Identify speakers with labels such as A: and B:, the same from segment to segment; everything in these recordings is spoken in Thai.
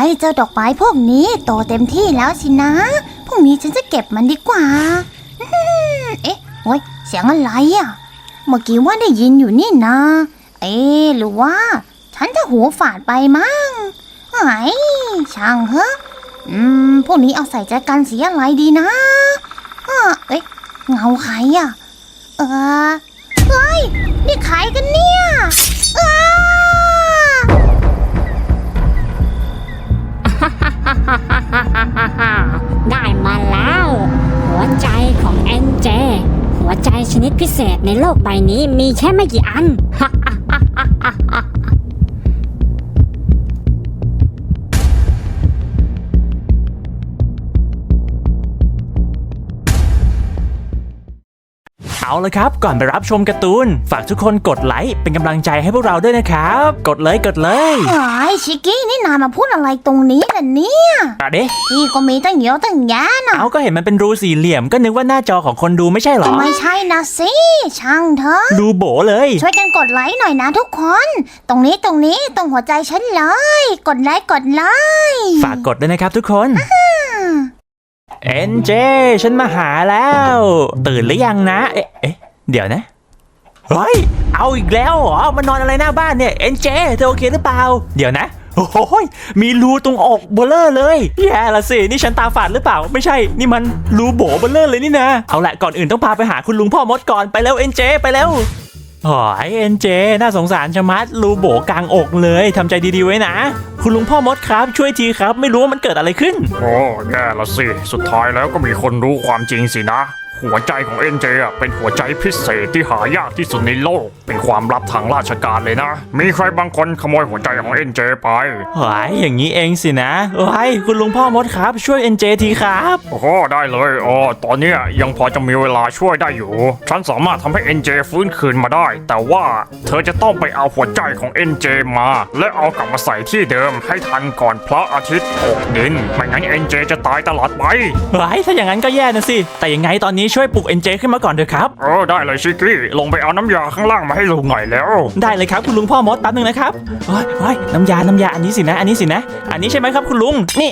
A: เจ้าดอกไม้พวกนี้โตเต็มที่แล้วสินะพรุ่งนี้ฉันจะเก็บมันดีกว่าเอ๊ะโอ๊ยเสียงอะไรอ่ะเมื่อกี้ว่าได้ยินอยู่นี่นะหรือว่าฉันจะหูฝาดไปมั้งไอ้ช่างเหอะพวกนี้เอาใส่ใจกันสีอะไรดีนะเอ๊ะเงาใครอ่ะเฮ้ยนี่ใครกันเนี่ย
B: ได้มาแล้วหัวใจของเอ็นเจหัวใจชนิดพิเศษในโลกใบนี้มีแค่ไม่กี่อัน
C: เอาละครับก่อนไปรับชมการ์ตูนฝากทุกคนกดไลค์เป็นกำลังใจให้พวกเราด้วยนะครับกดเลย
A: ชิกกี้นี่นายมาพูดอะไรตรงนี้ล่ะเนี่ย
C: เด้
A: พี่ก็มีตั้งเยอะตั้งแยะนะ
C: เอาก็เห็นมันเป็นรูสี่เหลี่ยมก็นึกว่าหน้าจอของคนดูไม่ใช่หรอ
A: ไม่ใช่นะสิช่างเถอะ
C: รูโบเลย
A: ช่วยกันกดไลค์หน่อยนะทุกคนตรงนี้ตรงหัวใจฉันเลยกดไลค์
C: ฝากกดด้วยนะครับทุกคนเอ็นเจฉันมาหาแล้วตื่นหรือยังนะเอ๊ะเดี๋ยวนะเฮ้ยเอาอีกแล้วเหรอมานอนอะไรหน้าบ้านเนี่ยเอ็นเจเธอโอเคหรือเปล่าเดี๋ยวนะโอ้ยมีรูตรงอกเบลเลอร์เลยแย่ละสินี่ฉันตาฝาดหรือเปล่าไม่ใช่นี่มันรูโบเบลเลอร์เลยนี่นะเอาละก่อนอื่นต้องพาไปหาคุณลุงพ่อมดก่อนไปแล้วเอ็นเจไปแล้วโอ้ยเอ็นเจน่าสงสารชะมัดรูโบกลางอกเลยทำใจดีๆไว้นะคุณลุงพ่อมดครับช่วยทีครับไม่รู้ว่ามันเกิดอะไรขึ้น
D: โอ้แย่ละสิสุดท้ายแล้วก็มีคนรู้ความจริงสินะหัวใจของเอ็นเจเป็นหัวใจพิเศษที่หายากที่สุดในโลกเป็นความลับทางราชการเลยนะมีใครบางคนขโมยหัวใจของเอ็นเจไป
C: อย่างนี้เองสินะคุณลุงพ่อมดครับช่วยเอ็นเจทีครับ
D: โอ้ได้เลยตอนนี้ยังพอจะมีเวลาช่วยได้อยู่ฉันสามารถทำให้เอ็นเจฟื้นคืนมาได้แต่ว่าเธอจะต้องไปเอาหัวใจของเอ็นเจมาและเอากลับมาใส่ที่เดิมให้ทันก่อนพระอาทิตย์ตกดินไม่งั้นเอ็นเจจะตายตลอดไป
C: ถ้าอย่างนั้นก็แย่นะสิแต่ยังไงตอนนี้ช่วยปลุกเอ็นเจขึ้นมาก่อนเถอะครับ
D: ได้เลยชิคกี้ลงไปเอาน้ำยาข้างล่างมาให้ลุงหน่อยแล้ว
C: ได้เลยครับคุณลุงพ่อมดแป๊บนึงนะครับน้ำยาอันนี้สินะอันนี้ใช่ไหมครับคุณลุงนี่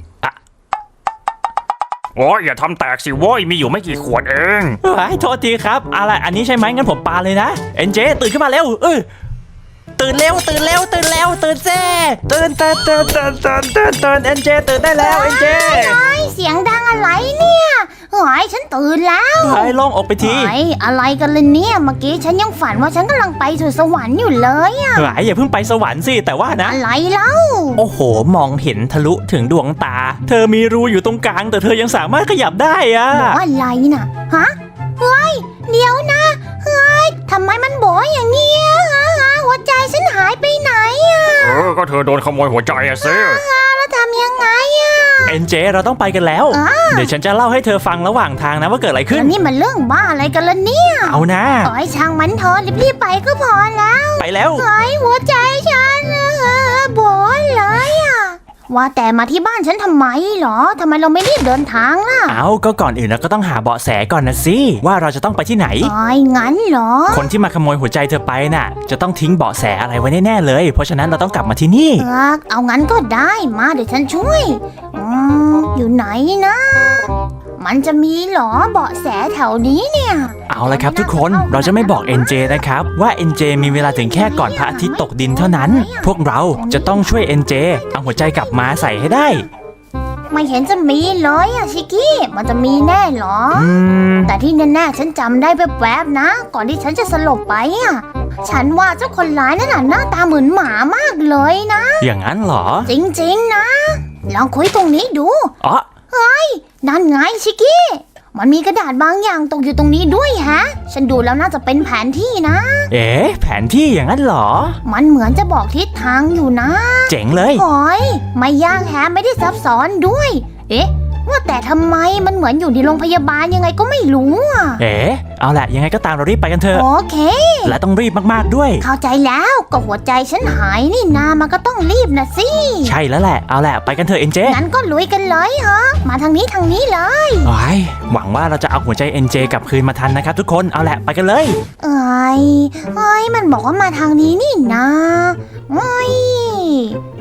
D: อย่าทำแตกสิโว้ยมีอยู่ไม่กี่ขวดเอง
C: โทษทีครับอะไรอันนี้ใช่ไหมงั้นผมปาเลยนะเอ็นเจตื่นขึ้นมาเร็วตื่นเร็วตื่นแซ่ตื่นเอ็นเจตื่นได้แล้วเอ็นเจ
A: เสียงดังอะไรเนี่ยฉันตื่นแล้ว
C: ลองออกไปที
A: อะไรกันเลยเนี่ยเมื่อกี้ฉันยังฝันว่าฉันกำลังไปสู่สวรรค์อยู่เลย
C: อย่าเพิ่งไปสวรรค์สิแต่ว่านะ
A: อะไรเล่า
C: โอ้โหมองเห็นทะลุถึงดวงตาเธอมีรูอยู่ตรงกลางแต่เธอยังสามารถขยับได้
A: บอกอะไรนะเดี๋ยวนะทำไมมันโบ๋อย่างเงี้ยหัวใจฉันหายไปไหน
D: ก็เธอโดนขโมยหัวใจซิ
A: แล้วทำยังไง
C: เอ็นเจเราต้องไปกันแล้วเดี๋ยวฉันจะเล่าให้เธอฟังระหว่างทางนะว่าเกิดอะไรขึ้น
A: นี่มันเรื่องบ้าอะไรกันล่ะเนี่ย
C: เอานะ
A: ช่างมันเถอะรีบไปก็พอแล้ว
C: ไปแล้ว
A: หัวใจฉันโบ๋เลยว่าแต่มาที่บ้านฉันทำไมหรอทำไมเราไม่รีบเดินทางล่ะ
C: ก็ก่อนอื่นเราก็ต้องหาเบาะแสก่อนนะสิว่าเราจะต้องไปที่ไหน
A: งั้นเหรอ
C: คนที่มาขโมยหัวใจเธอไปน่ะจะต้องทิ้งเบาะแสอะไรไว้แน่ๆเลยเพราะฉะนั้นเราต้องกลับมาที่นี่
A: เอางั้นก็ได้มาเดี๋ยวฉันช่วยอยู่ไหนนะมันจะมีหรอเบาะแสแถวนี้เนี่ย
C: เอาละครับทุกคนเราจะไม่บอก NJ นะครับว่า NJ มีเวลาถึงแค่ก่อนพระอาทิตย์ตกดินเท่านั้นพวกเราจะต้องช่วย NJ เอาหัวใจกลับมาใส่ให้ได้
A: ไม่เห็นจะมีเลยชิคกี้มันจะมีแน่หรอแต่ที่แน่ๆฉันจำได้แวบๆนะก่อนที่ฉันจะสลบไปฉันว่าเจ้าคนร้ายนั่นหน้าตาเหมือนหมามากเลยนะ
C: อย่างนั้นเหรอ
A: จริงๆนะลองคุยตรงนี้ดูนั่นไงชิคกี้มันมีกระดาษบางอย่างตกอยู่ตรงนี้ด้วยฉันดูแล้วน่าจะเป็นแผนที่นะ
C: แผนที่อย่างนั้นเหรอ
A: มันเหมือนจะบอกทิศทางอยู่นะ
C: เจ๋งเลย
A: ไม่ยากไม่ได้ซับซ้อนด้วยว่าแต่ทำไมมันเหมือนอยู่ในโรงพยาบาลยังไงก็ไม่รู้
C: เอาแหละยังไงก็ตามเรารีบไปกันเถอะ
A: โอเค
C: และต้องรีบมากๆด้วย
A: เข้าใจแล้วก็หัวใจฉันหายนี่นามันก็ต้องรีบนะสิ
C: ใช่แล้วแหละเอาแหละไปกันเถอะเอ็นเจ
A: งั้นก็ลุยกันเลยมาทางนี้เลย
C: หวังว่าเราจะเอาหัวใจเอ็นเจกลับคืนมาทันนะครับทุกคนเอาแหละไปกันเลย
A: มันบอกว่ามาทางนี้นี่นะ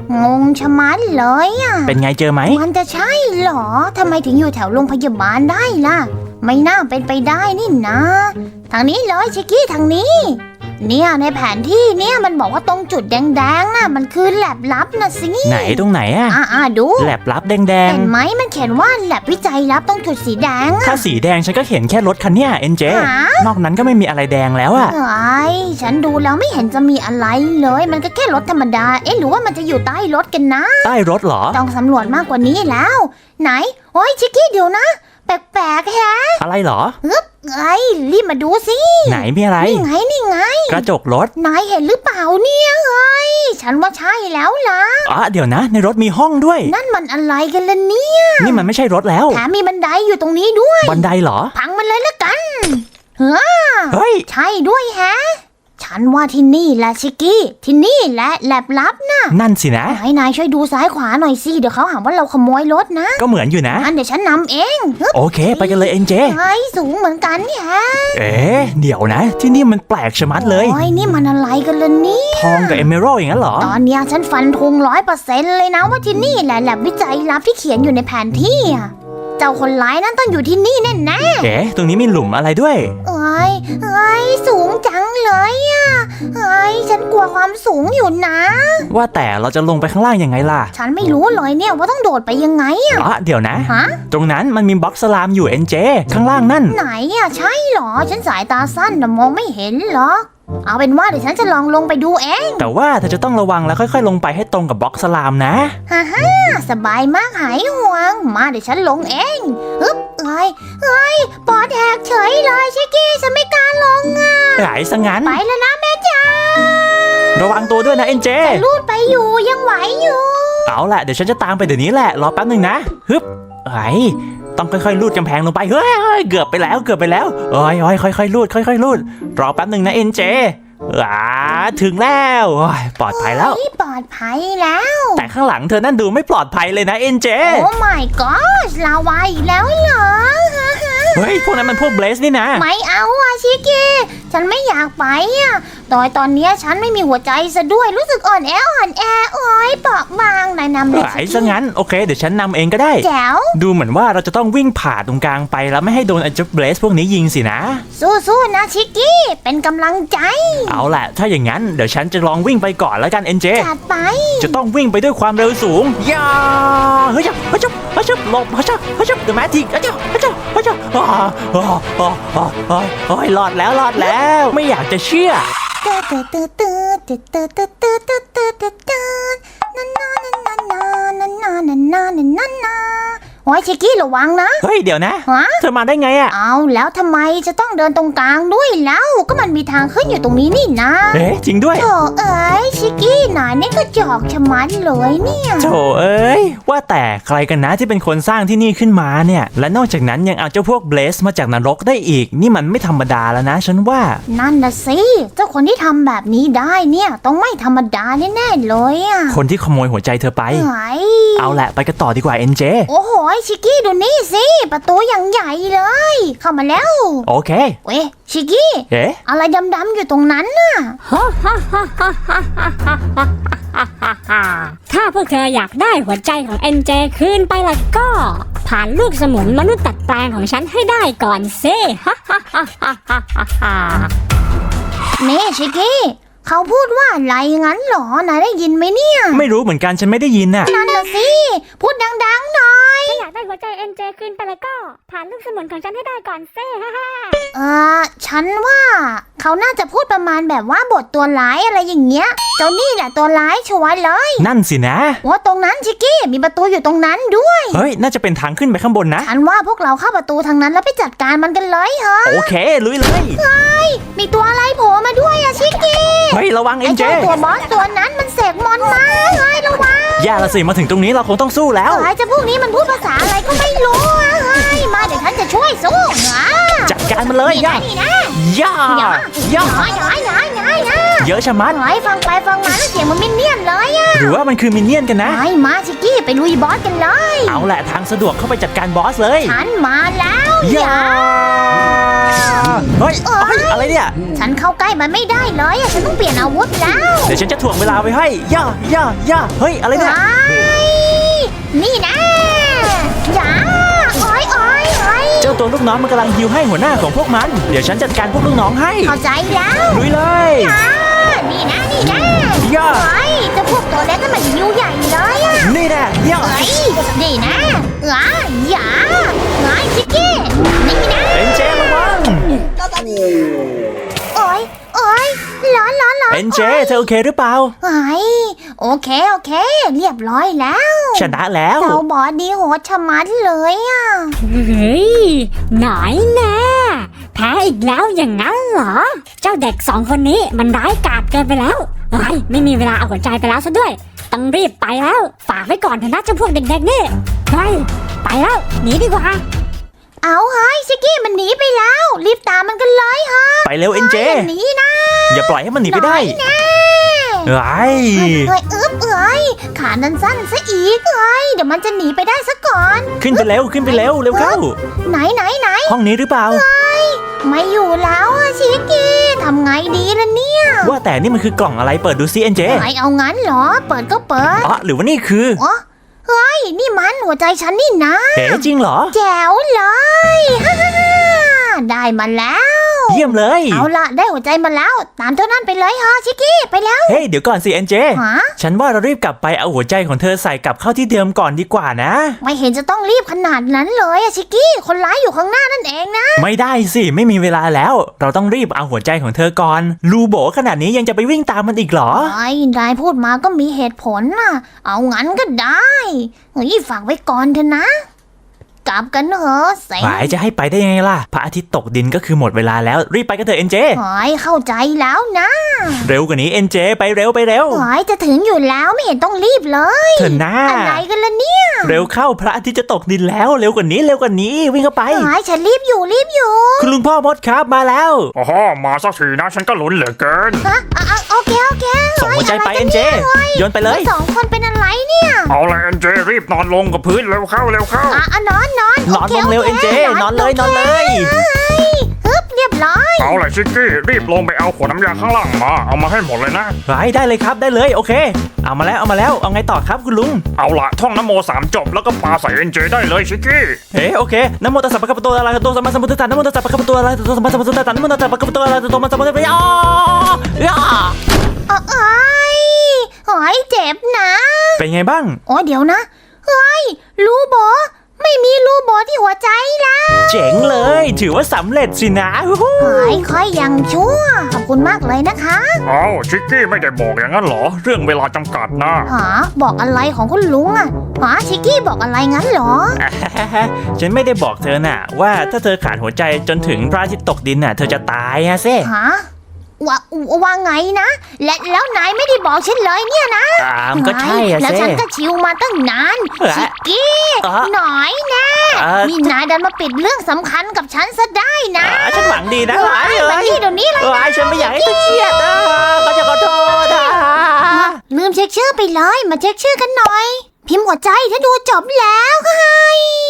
A: งงชะมัดเลยอ่ะ
C: เป็นไงเจอไหม
A: มันจะใช่เหรอทำไมถึงอยู่แถวโรงพยาบาลได้ล่ะไม่น่าเป็นไปได้นี่นะทางนี้เลยชิกกี้ทางนี้เนี่ยในแผนที่เนี่ยมันบอกว่าตรงจุดแดงๆน่ะมันคือแลบลับนะสิ
C: ไหนตรงไหนอะ
A: ดู
C: แลบลับแดง
A: เห็นไหมมันเขียนว่าแลบวิจัยลับตรงจุดสีแดง
C: ๆถ้าสีแดงฉันก็เห็นแค่รถคันเนี้ยเอ็นเจ
A: หาน
C: อกนั้นก็ไม่มีอะไรแดงแล้วอะ
A: เอ้ยฉันดูแล้วไม่เห็นจะมีอะไรเลยมันก็แค่รถธรรมดาหรือว่ามันจะอยู่ใต้รถกันนะ
C: ใต้รถเหรอ
A: ต้องสำรวจมากกว่านี้แล้ว ไหนโอ้ยชิกกี้เดี๋ยวนะแปลกๆแฮะ
C: อะไรเหรอ
A: รีบมาดูสิ
C: ไหนมีอะไร
A: นี่ไง
C: กระจกรถ
A: นายเห็นหรือเปล่าเนี่ยฉันว่าใช่แล้วล่ะ
C: เดี๋ยวนะ ในรถมีห้องด้วย
A: นั่นมันอะไรกันล่ะเนี่ย
C: นี่มันไม่ใช่รถแล้ว
A: แถมมีบันไดอยู่ตรงนี้ด้วย
C: บันไดเหรอ
A: พังมันเลยละกัน
C: เฮ้ย
A: ใช่ด้วยแฮะ ฉันว่าที่นี่แหละชิกกี้ ที่นี่แหละแลบลับนะ
C: นั่นสินะ
A: นายช่วยดูซ้ายขวาหน่อยสิ เดี๋ยวเขาหาว่าเราขโมยรถนะ
C: ก็เหมือนอยู่นะ
A: งั้นเดี๋ยวฉันนำเอง
C: โอเค ไปกันเลยเอ็นเจ
A: สูงเหมือนกันเนี่ยฮะ
C: เดี๋ยวนะ ที่นี่มันแปลกชะมัดเลย
A: โอ้ยนี่มันอะไรกันล่ะเนี่ย
C: ทองกับเอเมอรัลอย่างนั้นเหรอ
A: ตอนเนี้ยฉันฟันธง100%เลยนะว่าที่นี่แหละแลบวิจัยลับที่เขียนอยู่ในแผนที่อะเจ้าคนร้ายนั้นต้องอยู่ที่นี่แน่ๆ
C: ตรงนี้มีหลุมอะไรด้วย
A: เอ้ยสูงจังเลยอ่ะฉันกลัวความสูงอยู่นะ
C: ว่าแต่เราจะลงไปข้างล่างยังไงล่ะ
A: ฉันไม่รู้เลยเนี่ยว่าต้องโดดไปยังไงอ่ะ
C: เดี๋ยวนะ
A: ฮะ
C: ตรงนั้นมันมีบล็อกสลามอยู่เอ็นเจ ข้างล่างนั่น
A: ไหนอ่ะใช่เหรอ ฉันสายตาสั้นนะมองไม่เห็นหรอก เอาเป็นว่าเดี๋ยวฉันจะลองลงไปดูเอง
C: แต่ว่าเธอจะต้องระวังแล้วค่อยๆ ลงไปให้ตรงกับบล็อกสลามนะ
A: สบายมากหายห่วง มาเดี๋ยวฉันลงเองปอดแหกเฉยเลยชิกกี้ฉันไม่กล้าลงอ่ะ
C: หายซะงั้น
A: ไปแล้วนะแม่จ๋า
C: ระวังตัวด้วยนะเอ็นเจ
A: ลูดไปอยู่ยังไหวอยู่
C: เอาล่ะเดี๋ยวฉันจะตามไปเดี๋ยวนี้แหละ รอแป๊บหนึ่งนะ ต้องค่อยๆ ลูดกำแพงลงไป เฮ้ย เกือบไปแล้วค่อยๆ ลูด รอแป๊บหนึ่งนะเอ็นเจ ถึงแล้วปลอดภัยแล้ว
A: ปลอดภัยแล้ว
C: แต่ข้างหลังเธอนั่นดูไม่ปลอดภัยเลยนะเอ็นเจ
A: โอ้ my god ลาวาอีกแล้วเหรอ
C: เฮ้ย พวกนั้นมันพวกเบลสนี่นะ
A: ไม่เอาอะชิคกี้ฉันไม่อยากไปอะตอนเนี้ยฉันไม่มีหัวใจซะด้วยรู้สึกอ่อนแอโอ้ยเปราะบางนายนำเลย
C: หายซะงั้น โอเค เดี๋ยวฉันนำเองก็ได้
A: แจ๋ว
C: ดูเหมือนว่าเราจะต้องวิ่งผ่าตรงกลางไปแล้วไม่ให้โดนไอ้เจ้าเบลสพวกนี้ยิงสินะ
A: สู้ๆนะชิคกี้เป็นกำลังใจ
C: เอาล่ะ ถ้าอย่างนั้นเดี๋ยวฉันจะลองวิ่งไปก่อนแล้วกันเอ็นเจ
A: จัดไป
C: จะต้องวิ่งไปด้วยความเร็วสูงย่าเฮ้ยหลบเดอะแมจิกรอดแล้วไม่อยากจะเชื่อ
A: โอ้ยชิคกี้ระวังนะ
C: เฮ้ยเดี๋ยวนะ
A: ฮะ
C: เธอมาได้ไงอะ
A: เอาแล้วทำไมจะต้องเดินตรงกลางด้วยแล้วก็มันมีทางขึ้นอยู่ตรงนี้นี่นะ
C: จริงด้วย
A: โถเอ้ยชิคกี้นายนี่ก็จอกชะมัดเลยเนี่ย
C: โถเอ้ยว่าแต่ใครกันนะที่เป็นคนสร้างที่นี่ขึ้นมาเนี่ยและนอกจากนั้นยังเอาเจ้าพวกเบลสมาจากนรกได้อีกนี่มันไม่ธรรมดาแล้วนะฉันว่า
A: นั่นนะสิเจ้าคนที่ทำแบบนี้ได้เนี่ยต้องไม่ธรรมดาแน่ๆเลยอ่ะ
C: คนที่ขโมยหัวใจเธอไป
A: เอ้ย
C: เอาแหละไปกันต่อดีกว่าเอ็นเจ
A: โอ้โหชิคกี้ดูนี่สิประตูอย่างใหญ่เลย เข้ามาแล้ว
C: โอเค
A: เว้ยชิคกี้ อะไรดำๆอยู่ตรงนั้นน่ะ
B: ถ้าพวกเธออยากได้หัวใจของเอ็นเจคืนไปล่ะก็ ผ่านลูกสมุนมนุษย์ตัดแปลงของฉันให้ได้ก่อนสิ
A: นี่ชิคกี้เขาพูดว่าอะไรงั้นเหรอนายได้ยินไหมเนี่ย
C: ไม่รู้เหมือนกันฉันไม่ได้ยินน่ะ
A: นั่นน่ะสิพูดดังๆหน่อย
B: ถ้าอยากได้หัวใจเอ็นเจคืนไปล่ะก็ ผ่านลูกสมุนของฉันให้ได้ก่อนสิ
A: ฉันว่าเขาน่าจะพูดประมาณแบบว่าบทตัวร้ายอะไรอย่างเงี้ยเจ้านี่แหละตัวร้ายชัวร์เลย
C: นั่นสินะ
A: ว่าตรงนั้นชิคกี้มีประตูอยู่ตรงนั้นด้วย
C: เฮ้ยน่าจะเป็นทางขึ้นไปข้างบนนะ
A: ฉันว่าพวกเราเข้าประตูทางนั้นแล้วไปจัดการมันกันเลยเหรอ
C: โอเคลุยเลย
A: มีตัวอะไรโผล่มาด้วยอะชิคกี้
C: เฮ้ยระวังเอ็
A: ไอ้
C: นเจ
A: เจ้าตัวบอสตัวนั้นมันเสกมอนต์มาเฮ้ยระวัง
C: ย่าละสิมาถึงตรงนี้เราคงต้องสู้แล้ว
A: ไอ้เจ้าพวกนี้มันพูดภาษาอะไรก็ไม่รู้อะเฮ้ยมาเดี๋ยวฉันจะช่วยสู้นะ
C: จัดการมันเลยย่า
A: นี่นะ
C: ย่าย่า
A: อย่า
C: เยอะชะมัด
A: ไอ้ฟังไปฟังมาแล้วเสียงมันมินเนี่ยนเลยอะ
C: หรือว่ามันคือมินเนี่ยนกันนะ
A: ไอ้มาชิกกี้ไปลุยบอสกันเลย
C: เอาแหละทางสะดวกเข้าไปจัดการบอสเลย
A: ฉันมาแล้ว
C: ย่าเฮ้ยอะไรเนี่ย
A: ฉันเข้าใกล้มันไม่ได้เลยอะฉันต้องเปลี่ยนอาวุธแล้ว
C: เดี๋ยวฉันจะถ่วงเวลาไว้ให้ย่าเฮ้ยอะไรเนี่ย
A: นี่นะอย่าโอ้ย
C: เจ้าตัวลูกน้องมันกำลังฮิวให้หัวหน้าของพวกมันเดี๋ยวฉันจัดการพวกลูกน้องให้
A: เข้าใจแล้ว
C: ลุยเลย
A: นี่นะ
C: ย่า
A: เฮ้ยเจ้าพวกตัวเล็กนั่นมันหิวใหญ่เลยอะ
C: นี่แน่ย่า
A: เฮ้ยนี่นะอย่าเฮ้ยชิกกี้นี่นะ
C: เอ็นเจระวัง
A: โอ้ยร้อน
C: เอ็นเจเธอโอเคหรือเปล่า
A: เฮ้ยโอเคเรียบร้อยแล้ว
C: ชนะแล้ว
A: เจ้าบอสดีโหดชะมัดเลยอะ
B: เฮ้ยหน่อยแน่แพ้อีกแล้วอย่างนั้นเหรอ เจ้าเด็กสองคนนี้มันร้ายกาจเกินไปแล้วเฮ้ยไม่มีเวลาเอาหัวใจไปแล้วซะด้วยต้องรีบไปแล้วฝากไว้ก่อนเถอะนะเจ้าพวกเด็กๆนี่เฮ้ยไปแล้วหนีดีกว่า
A: เอาเฮ้ยชิกกี้มันหนีไปแล้ว รีบตามมันกันเลยฮะ
C: ไปเร็วเอ็นเจ
A: หนีนะ
C: อย่าปล่อยให้มันหนีไปได้
A: นะ
C: ไอ้
A: เอ้ยขานันสั้นซะอีกเดี๋ยวมันจะหนีไปได้ซะก่อน
C: ขึ้นไปเร็วเร็วเข้า
A: ไหน
C: ห้องนี้หรือเปล่า
A: ไม่อยู่แล้วอะชิกกี้ทำไงดีล่ะเนี่ย
C: ว่าแต่นี่มันคือกล่องอะไรเปิดดูซิเอ็นเจ
A: ไหนเอางั้นเหรอ เปิดก็เปิด
C: อ๋อหรือว่านี่คือ
A: อ๋อเฮ้ยนี่มันหัวใจฉันนี่นะ
C: เอ๋จริงเหรอ
A: แจ๋วเลยฮ่าได้มาแล้ว
C: เยี่ยมเลย
A: เอาละได้หัวใจมาแล้ว ตามเท่านั้นไปเลยฮะชิกกี้ไปแล้ว
C: เฮ้ยเดี๋ยวก่อนสิเอ็นเจ
A: ฮะ
C: ฉันว่าเรารีบกลับไปเอาหัวใจของเธอใส่กลับเข้าที่เดิมก่อนดีกว่านะ
A: ไม่เห็นจะต้องรีบขนาดนั้นเลยอะชิกกี้คนร้ายอยู่ข้างหน้านั่นเองนะ
C: ไม่ได้สิไม่มีเวลาแล้ว เราต้องรีบเอาหัวใจของเธอก่อนลูโบขนาดนี้ยังจะไปวิ่งตามมันอีกเหรอ
A: ไอ้นายพูดมาก็มีเหตุผลน่ะ เอางั้นก็ได้เฮ้ยฝากไว้ก่อนเถอะนะ กลับกันเถอะเซ็ง
C: หมายจะให้ไปได้ยังไงล่ะพระอาทิตย์ตกดินก็คือหมดเวลาแล้วรีบไปกันเถอะเอ็นเจ
A: หอยเข้าใจแล้วนะ
C: เร็วกว่านี้เอ็นเจไปเร็ว
A: หอยจะถึงอยู่แล้วไม่เห็นต้องรีบเลย
C: เถอะนะ
A: อะไรกันล่ะเนี่ย
C: เร็วเข้าพระอาทิตย์จะตกดินแล้วเร็วกว่านี้วิ่งเข้าไป
A: หอยฉันรีบอยู่
C: คุณลุงพ่อมดครับมาแล้ว
D: โอ้โหมาสักทีนะฉันก็ลุ้นเหลือเกิน
A: ฮะโอเค
C: ส่งหัวใจไปเอ็นเจโยนไปเลย
A: สองคนเป็นอะไรเนี่ย
D: เอาเลยเอ็นเจรีบนอนลงกับพื้นเร็วเข้า
A: นอน
C: นอนลงเร็วเอ็นเจนอนเลย
A: ฮึบเรียบร้อย
D: เอาเลยชิกกี้รีบลงไปเอาขวดน้ำยาข้างล่างมาเอามาให้หมดเลยนะ
C: ได้เลยครับได้เลยโอเคเอามาแล้วเอาไงต่อครับคุณลุง
D: เอาละท่องนโม3 จบแล้วก็ปาใส่เอ็นเจได้เลยชิกกี้
C: โอเคนะโมตัสสะภะคะวะโตอะระหะโตสัมมาสัมพุทธัสสะนะโมตัสสะภะคะวะโตอะระหะโตสัมมาสัมพุทธัสสะนะโมตัสสะภะคะวะโตอะระหะโตสัมมาสัมพุทธัสสะ
A: หอยเจ็บนะ
C: เป็นไงบ้าง
A: โอ้เดี๋ยวนะเฮ้ยรูโบไม่มีรูโบที่หัวใจแล้ว
C: เจ๋งเลยถือว่าสำเร็จสินะ
A: หอยค่อยยังชั่วขอบคุณมากเลยนะคะ
D: เอาชิกกี้ไม่ได้บอกอย่างนั้นเหรอเรื่องเวลาจำกัดนะ
A: หาบอกอะไรของคุณลุงอะหาชิกกี้บอกอะไรงั้นเหรอ
C: ฉันไม่ได้บอกเธอน่ะว่าถ้าเธอขาดหัวใจจนถึงพระอาทิตย์ตกดินน่ะเธอจะตายอะเซ่
A: ฮะว่าไงนะแล้วนายไม่ได้บอกฉันเลยเนี่ยนะ
C: มันก็ใช่อะ
A: แล้ว
C: เซ่
A: ฉันก็ชิวมาตั้งนาน
C: เออ
A: ชิกกี้
C: เออ
A: หน่อยนะ นี่นายดันมาปิดเรื่องสำคัญกับฉันซะได้นะ
C: ฉันหวังดีนะ
A: มานี่เดี๋ยวนี้เลยนะ
C: ฉันไม่อยากให้เธอเครียดนะก็จะขอโทษนะ
A: ลืมเช็คชื่อไปเลยมาเช็คชื่อกันหน่อย พิมพ์หัวใจถ้าดูจบแล้วค่ะ